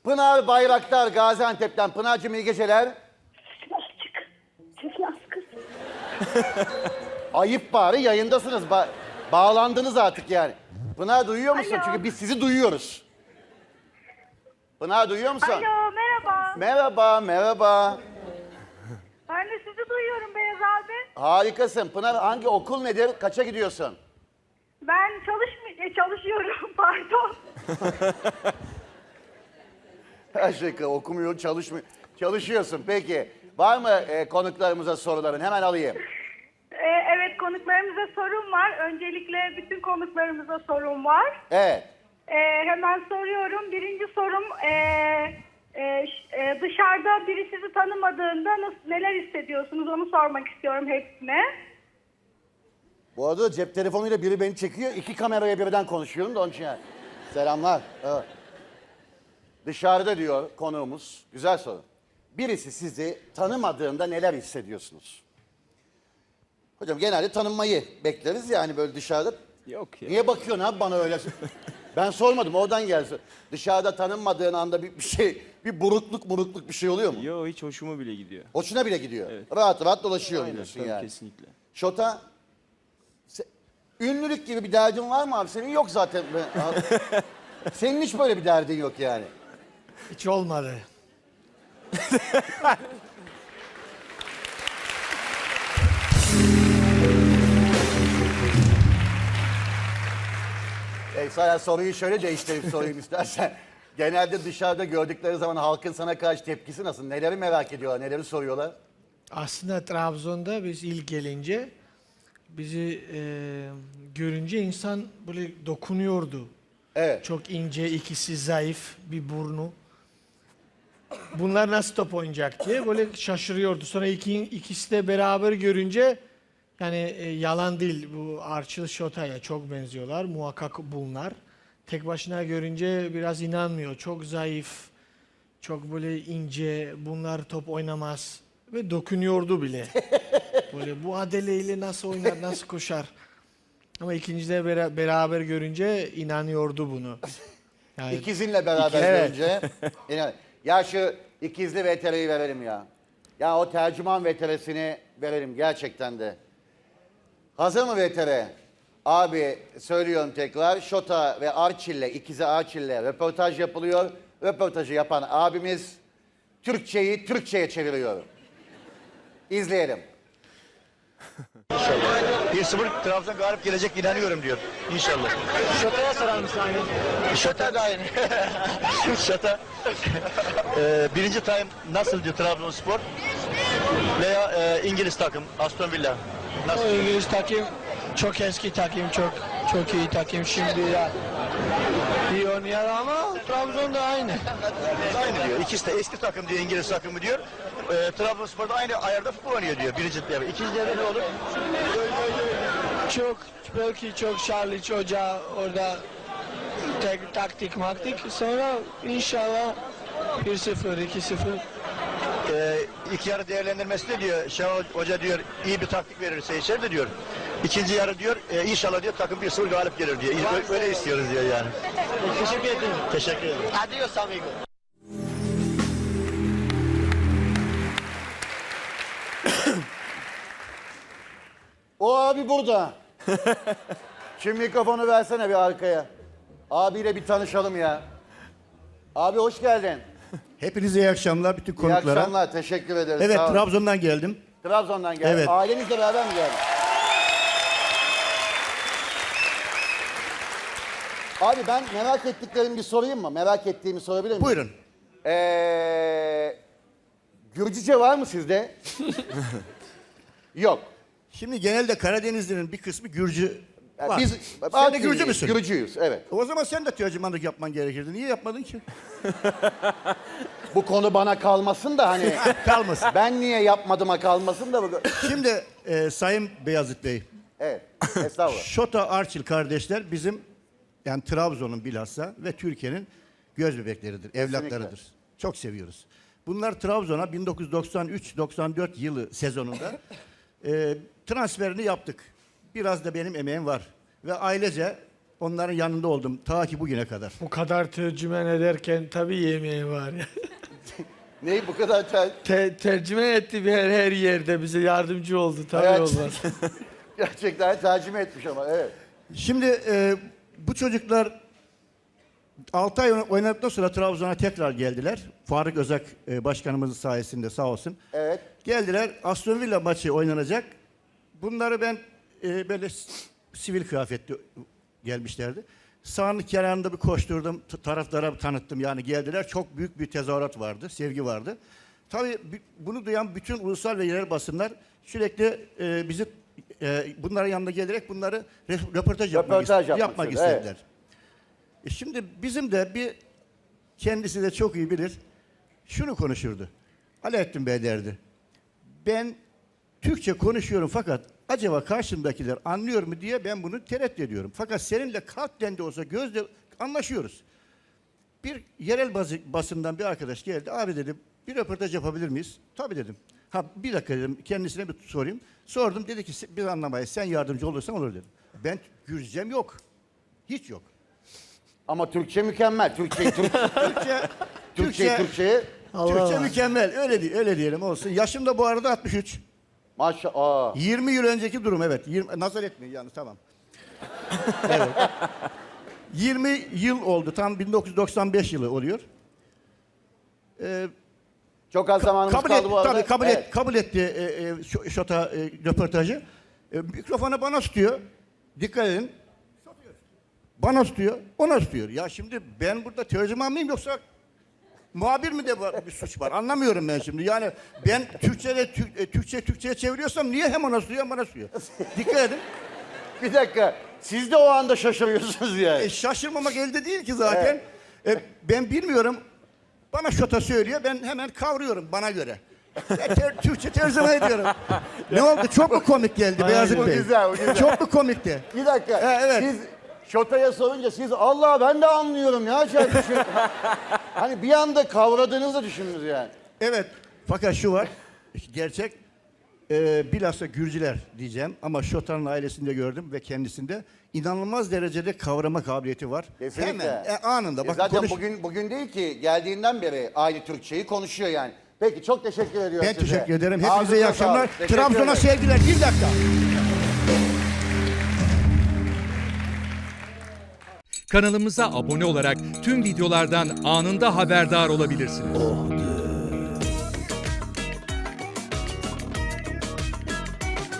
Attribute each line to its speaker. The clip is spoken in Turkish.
Speaker 1: Pınar Bayraktar Gaziantep'ten. Pınar'cığım iyi geceler.
Speaker 2: Sesini az kız.
Speaker 1: Ayıp bari yayındasınız. Bağlandınız artık yani. Pınar duyuyor musun?
Speaker 2: Alo.
Speaker 1: Çünkü biz sizi duyuyoruz. Pınar duyuyor musun?
Speaker 2: Alo, merhaba.
Speaker 1: Merhaba, merhaba.
Speaker 2: Ben de sizi duyuyorum Beyaz abi.
Speaker 1: Harikasın. Pınar hangi okul nedir? Kaça gidiyorsun?
Speaker 2: Ben çalışıyorum, pardon.
Speaker 1: Her şey okumuyor, çalışmıyor. Çalışıyorsun peki. Var mı konuklarımıza soruların? Hemen alayım.
Speaker 2: Evet, konuklarımıza sorum var. Öncelikle bütün konuklarımıza sorum var.
Speaker 1: Evet.
Speaker 2: Hemen soruyorum. Birinci sorum, dışarıda biri sizi tanımadığında neler hissediyorsunuz onu sormak istiyorum hepsine.
Speaker 1: Bu arada cep telefonuyla biri beni çekiyor. 2 kameraya birden konuşuyorum da onun için yani. Selamlar. Evet. Dışarıda diyor konuğumuz. Güzel soru. Birisi sizi tanımadığında neler hissediyorsunuz? Hocam genelde tanınmayı bekleriz yani böyle dışarıda.
Speaker 3: Yok ya.
Speaker 1: Niye bakıyorsun abi bana öyle? Ben sormadım oradan gelsin. Dışarıda tanınmadığın anda bir şey, bir burukluk bir şey oluyor mu?
Speaker 3: Yo, hiç hoşuma bile gidiyor.
Speaker 1: Hoşuna bile gidiyor.
Speaker 3: Evet.
Speaker 1: Rahat rahat dolaşıyor
Speaker 3: Aynen,
Speaker 1: diyorsun
Speaker 3: tabii,
Speaker 1: yani.
Speaker 3: kesinlikle.
Speaker 1: Şota, ünlülük gibi bir derdin var mı abi? Senin yok zaten. Senin hiç böyle bir derdin yok yani.
Speaker 4: Hiç olmadı.
Speaker 1: Sana soruyu şöyle değiştirip sorayım istersen. Genelde dışarıda gördükleri zaman halkın sana karşı tepkisi nasıl? Neleri merak ediyorlar, neleri soruyorlar?
Speaker 4: Aslında Trabzon'da biz ilk gelince bizi görünce insan böyle dokunuyordu.
Speaker 1: Evet.
Speaker 4: Çok ince, ikisi zayıf, bir burnu. Bunlar nasıl top oynayacak diye böyle şaşırıyordu. Sonra ikisi de beraber görünce yani yalan değil, bu Arçıl Şota'ya çok benziyorlar. Muhakkak bunlar. Tek başına görünce biraz inanmıyor. Çok zayıf, çok böyle ince, bunlar top oynamaz. Ve dokunuyordu bile. Böyle bu adeleyle nasıl oynar, nasıl koşar. Ama ikincide beraber görünce inanıyordu bunu. Yani
Speaker 1: İkizinle beraber
Speaker 4: Evet.
Speaker 1: görünce. Ya şu ikizli VTR'yi verelim ya. Ya o tercüman VTR'sini verelim gerçekten de. Hazır mı VTR? Abi söylüyorum tekrar. Şota ve Arçil'le, ikizi Arçil'le röportaj yapılıyor. Röportajı yapan abimiz Türkçeyi Türkçe'ye çeviriyor. İzleyelim.
Speaker 5: 1-0 Trabzon galip gelecek inanıyorum diyor. İnşallah.
Speaker 6: Şota'ya sorar mısın aynı?
Speaker 5: Şota da aynı. Şota. Birinci time nasıl diyor Trabzonspor? Veya İngiliz takım Aston Villa. Nasıl?
Speaker 6: O İngiliz takım çok eski takım, çok iyi takım şimdi ya. İyi oynuyor ama Trabzon da aynı.
Speaker 5: Aynı diyor. İkisi de eski takım diyor, İngiliz takımı diyor. Trabzonspor da aynı ayarda futbol oynuyor diyor. Birinci devre. İkinci devre ne olur?
Speaker 6: Çok belki çok Charlie Hoca orada taktik maktik sonra inşallah 1-0 2-0.
Speaker 5: İki yarı değerlendirmesi de diyor. Şenol Hoca diyor iyi bir taktik verirse içer de diyor. İkinci yarı diyor inşallah diyor takım 1-0 galip gelir diyor. Böyle istiyoruz diyor yani.
Speaker 6: Teşekkür ederim.
Speaker 5: Teşekkür ederim.
Speaker 6: Adios amigo.
Speaker 1: O abi burada. Şimdi mikrofonu versene bir arkaya. Abiyle bir tanışalım ya. Abi hoş geldin.
Speaker 7: Hepinize iyi akşamlar bütün
Speaker 1: İyi
Speaker 7: konuklara.
Speaker 1: akşamlar, teşekkür ederiz.
Speaker 7: Evet,
Speaker 1: Sağ olun.
Speaker 7: Trabzon'dan geldim.
Speaker 1: Trabzon'dan geldin.
Speaker 7: Evet.
Speaker 1: Ailenizle beraber mi geldin? Abi ben merak ettiklerimi bir sorayım mı? Merak ettiğimi sorabilir miyim?
Speaker 7: Buyurun.
Speaker 1: Gürcüce var mı sizde? Yok.
Speaker 7: Şimdi genelde Karadenizli'nin bir kısmı Gürcü var.
Speaker 1: Biz
Speaker 7: Sen de Gürcü müsün?
Speaker 1: Gürcüyüz, evet.
Speaker 7: O zaman sen de tercümanlık yapman gerekirdi. Niye yapmadın ki?
Speaker 1: Bu konu bana kalmasın da hani
Speaker 7: Kalmasın.
Speaker 1: ben niye yapmadıma kalmasın da bu.
Speaker 7: Şimdi Sayın Beyazıt Bey,
Speaker 1: Evet, estağfurullah.
Speaker 7: Şota Arçil kardeşler bizim yani Trabzon'un bilhassa ve Türkiye'nin göz bebekleridir, evlatlarıdır. Çok seviyoruz. Bunlar Trabzon'a 1993-94 yılı sezonunda transferini yaptık. Biraz da benim emeğim var. Ve ailece onların yanında oldum ta ki bugüne kadar.
Speaker 4: Bu kadar tercüman ederken tabii yemeği var.
Speaker 1: Neyi bu kadar
Speaker 4: Tercüman etti her yerde bize yardımcı oldu tabii
Speaker 1: Evet.
Speaker 4: olmaz.
Speaker 1: gerçekten tercüme etmiş ama evet.
Speaker 7: Şimdi bu çocuklar 6 ay oynadıktan sonra Trabzon'a tekrar geldiler. Faruk Özak başkanımızın sayesinde sağ olsun.
Speaker 1: Evet.
Speaker 7: Geldiler. Aston Villa maçı oynanacak. Bunları ben böyle sivil kıyafetli gelmişlerdi. Sahanın kenarında bir koşturdum. Taraftara tanıttım. Yani geldiler. Çok büyük bir tezahürat vardı. Sevgi vardı. Tabii bunu duyan bütün ulusal ve yerel basınlar sürekli bizi bunların yanına gelerek bunları röportaj yapmak
Speaker 1: istiyor,
Speaker 7: istediler. Şimdi bizim de bir kendisi de çok iyi bilir. Şunu konuşurdu. Alaaddin Bey derdi. Ben Türkçe konuşuyorum fakat acaba karşımdakiler anlıyor mu diye ben bunu tereddüt ediyorum. Fakat seninle kalpten de olsa gözle anlaşıyoruz. Bir yerel basından bir arkadaş geldi. Abi dedim bir röportaj yapabilir miyiz? Tabii dedim. Ha bir dakika dedim kendisine bir sorayım. Sordum dedi ki biz anlamayız sen yardımcı olursan olur dedim. Ben Gürcem yok. Hiç yok.
Speaker 1: Ama Türkçe mükemmel. Türkçeyi
Speaker 7: Türkçe
Speaker 4: Allah.
Speaker 7: mükemmel. Öyle diyelim olsun. Yaşım da bu arada 63.
Speaker 1: Maşallah.
Speaker 7: 20 yıl önceki durum evet. Nazar etmeyin yani tamam. Evet. 20 yıl oldu. Tam 1995 yılı oluyor.
Speaker 1: Çok az zamanımız
Speaker 7: Kabul
Speaker 1: kaldı
Speaker 7: etti,
Speaker 1: bu arada.
Speaker 7: tabii
Speaker 1: Evet.
Speaker 7: kabul etti Şota röportajı. Mikrofonu bana tutuyor. Dikkat edin. Bana tutuyor, ona tutuyor. Ya şimdi ben burada tercüman mıyım yoksa muhabir mi de bir suç var? Anlamıyorum ben şimdi. Yani ben Türkçe'ye çeviriyorsam niye hem ona tutuyor hem bana tutuyor? Dikkat edin.
Speaker 1: Bir dakika. Siz de o anda şaşırıyorsunuz yani.
Speaker 7: Şaşırmamak elde değil ki zaten. Ben bilmiyorum. Bana Şota söylüyor, ben hemen kavruyorum bana göre. Türkçe tercüme ediyorum. Ne oldu? Çok mu komik geldi Beyazıt
Speaker 1: O
Speaker 7: Bey?
Speaker 1: güzel, o güzel.
Speaker 7: Çok mu komikti?
Speaker 1: Bir dakika.
Speaker 7: Evet.
Speaker 1: Siz Şota'ya sorunca siz Allah ben de anlıyorum ya. Hani bir anda kavradığınızı düşündünüz yani.
Speaker 7: Evet. Fakat şu var. Gerçek. Bilhassa Gürcüler diyeceğim ama Şota'nın ailesinde gördüm ve kendisinde inanılmaz derecede kavrama kabiliyeti var.
Speaker 1: Kesinlikle.
Speaker 7: Hemen anında. Bakın
Speaker 1: Zaten bugün değil ki geldiğinden beri aynı Türkçeyi konuşuyor yani. Peki çok teşekkür ediyorum
Speaker 7: ben
Speaker 1: size.
Speaker 7: teşekkür ederim.
Speaker 1: Ağzınıza
Speaker 7: Hepinize iyi akşamlar.
Speaker 1: sağlık. Teşekkür
Speaker 7: Trabzon'a
Speaker 1: ederim.
Speaker 7: sevgiler. Bir dakika.
Speaker 8: Kanalımıza abone olarak tüm videolardan anında haberdar olabilirsiniz.